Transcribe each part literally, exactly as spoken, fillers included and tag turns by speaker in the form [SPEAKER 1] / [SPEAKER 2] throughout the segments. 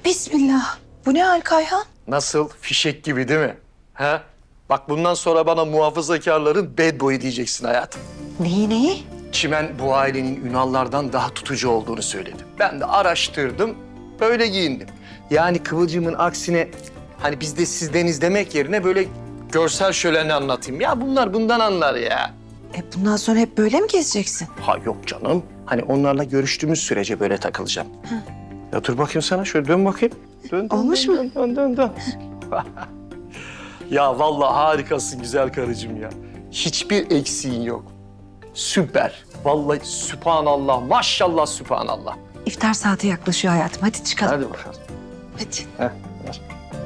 [SPEAKER 1] Bismillah. Bu ne hal Kayhan?
[SPEAKER 2] Nasıl? Fişek gibi değil mi? He? Bak bundan sonra bana muhafazakarların bad boy diyeceksin hayatım.
[SPEAKER 1] Neyi neyi?
[SPEAKER 2] Çimen bu ailenin Ünallardan daha tutucu olduğunu söyledi. Ben de araştırdım, böyle giyindim. Yani Kıvılcım'ın aksine hani biz de sizdeniz demek yerine böyle görsel şöleni anlatayım. Ya bunlar bundan anlar ya.
[SPEAKER 1] E bundan sonra hep böyle mi gezeceksin?
[SPEAKER 2] Ha yok canım. Hani onlarla görüştüğümüz sürece böyle takılacağım. Ya dur bakayım sana, şöyle dön bakayım. Dön, dön,
[SPEAKER 1] Olmuş
[SPEAKER 2] dön,
[SPEAKER 1] mu?
[SPEAKER 2] Dön, dön, dön. Ya vallahi harikasın güzel karıcığım ya. Hiçbir eksiğin yok. Süper. Vallahi sübhanallah, maşallah sübhanallah.
[SPEAKER 1] İftar saati yaklaşıyor hayatım. Hadi çıkalım.
[SPEAKER 2] Hadi bakalım.
[SPEAKER 1] Hadi.
[SPEAKER 2] Heh, ver.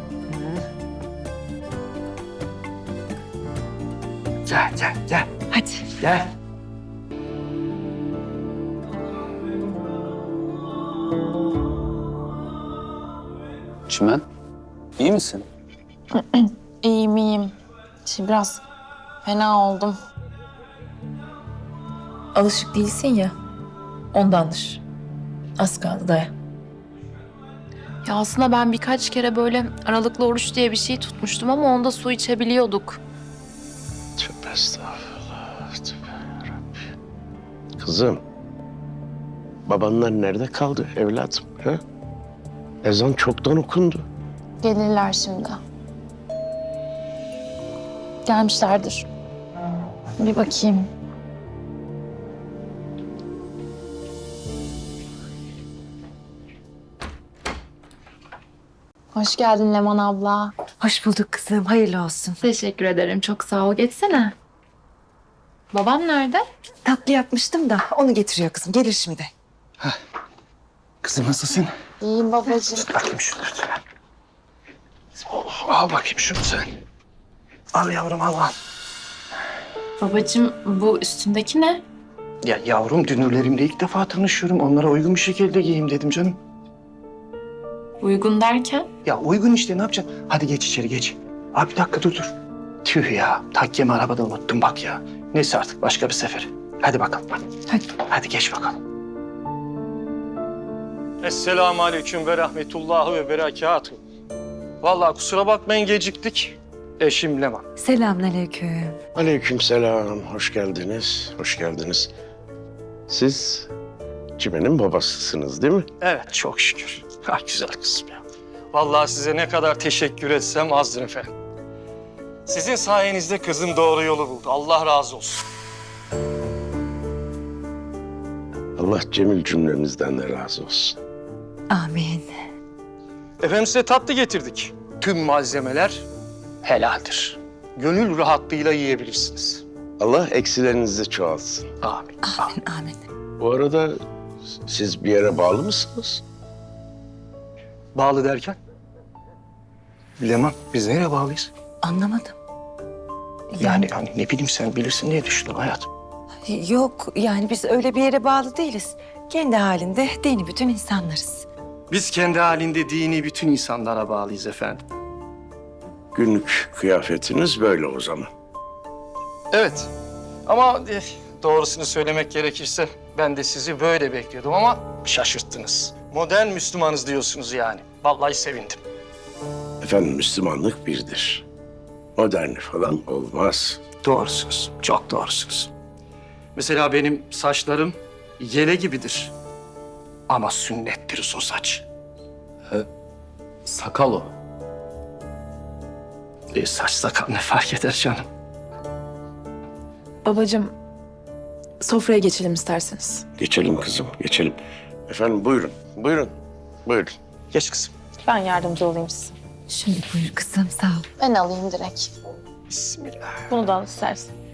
[SPEAKER 2] Gel, gel, gel,
[SPEAKER 1] Hadi.
[SPEAKER 2] gel.
[SPEAKER 3] Çimen, iyi misin?
[SPEAKER 4] İyiyim iyiyim. Şimdi biraz fena oldum.
[SPEAKER 5] Alışık değilsin ya. Ondandır. Az kaldı dayan.
[SPEAKER 4] Ya aslında ben birkaç kere böyle aralıklı oruç diye bir şey tutmuştum ama onda su içebiliyorduk.
[SPEAKER 6] Tövbe estağfurullah. Tövbe yarabbim. Kızım, babanlar nerede kaldı evladım? Ha? Ezan çoktan okundu.
[SPEAKER 4] Gelirler şimdi. Gelmişlerdir. Bir bakayım. Hoş geldin Leman abla.
[SPEAKER 1] Hoş bulduk kızım. Hayırlı olsun.
[SPEAKER 4] Teşekkür ederim. Çok sağ ol. Geçsene. Babam nerede?
[SPEAKER 1] Tatlı yapmıştım da onu getiriyor kızım. Gelir şimdi.
[SPEAKER 2] Kızım nasılsın?
[SPEAKER 4] İyiyim babacığım.
[SPEAKER 2] Bakayım şunu. Oh, al bakayım şunu sen. Al yavrum, al al.
[SPEAKER 4] Babacığım bu üstündeki ne?
[SPEAKER 2] Ya yavrum, dünürlerimle ilk defa tanışıyorum. Onlara uygun bir şekilde giyeyim dedim canım.
[SPEAKER 4] Uygun derken?
[SPEAKER 2] Ya uygun işte, ne yapacaksın? Hadi geç içeri, geç. Abi bir dakika dur dur. Tüh ya, takkemi arabada unuttum bak ya. Neyse artık başka bir sefer. Hadi bakalım.
[SPEAKER 1] Hadi.
[SPEAKER 2] Hadi geç bakalım. Esselamu aleyküm ve rahmetullahi ve berekatuhu. Vallahi kusura bakmayın geciktik. Eşim Leman.
[SPEAKER 1] Selamünaleyküm.
[SPEAKER 6] Aleykümselam, hoş geldiniz, hoş geldiniz. Siz Çimen'in babasısınız değil mi?
[SPEAKER 2] Evet, çok şükür. Ha, güzel kızım ya. Vallahi size ne kadar teşekkür etsem azdır efendim. Sizin sayenizde kızım doğru yolu buldu. Allah razı olsun.
[SPEAKER 6] Allah cemil cümlemizden de razı olsun.
[SPEAKER 1] Amin.
[SPEAKER 2] Efendim size tatlı getirdik. Tüm malzemeler helaldir. Gönül rahatlığıyla yiyebilirsiniz.
[SPEAKER 6] Allah eksilerinizi çoğaltsın.
[SPEAKER 2] Amin.
[SPEAKER 1] Amin. Amin.
[SPEAKER 6] Bu arada siz bir yere bağlı mısınız?
[SPEAKER 2] Bağlı derken? Leman, biz nereye bağlıyız?
[SPEAKER 1] Anlamadım.
[SPEAKER 2] Yani hani ne bileyim, sen bilirsin diye düşündüm hayatım.
[SPEAKER 1] Yok yani biz öyle bir yere bağlı değiliz. Kendi halinde dini bütün insanlarız.
[SPEAKER 2] Biz kendi halinde dini bütün insanlara bağlıyız efendim.
[SPEAKER 6] Günlük kıyafetiniz böyle o zaman.
[SPEAKER 2] Evet. Ama eh, doğrusunu söylemek gerekirse ben de sizi böyle bekliyordum ama şaşırttınız. Modern Müslümanız diyorsunuz yani. Vallahi sevindim.
[SPEAKER 6] Efendim Müslümanlık birdir. Modern falan olmaz.
[SPEAKER 2] Doğrusunuz. Çok doğrusunuz. Mesela benim saçlarım yele gibidir. Ama sünnettir o saç.
[SPEAKER 3] Sakal o.
[SPEAKER 2] E, saç sakal ne fark eder canım?
[SPEAKER 5] Babacığım, sofraya geçelim isterseniz.
[SPEAKER 6] Geçelim kızım, geçelim. Efendim buyurun, buyurun, buyurun.
[SPEAKER 2] Geç kızım.
[SPEAKER 4] Ben yardımcı olayım size.
[SPEAKER 1] Şimdi buyur kızım sağ ol.
[SPEAKER 4] Ben alayım direkt.
[SPEAKER 2] Bismillah.
[SPEAKER 4] Bunu da al istersen.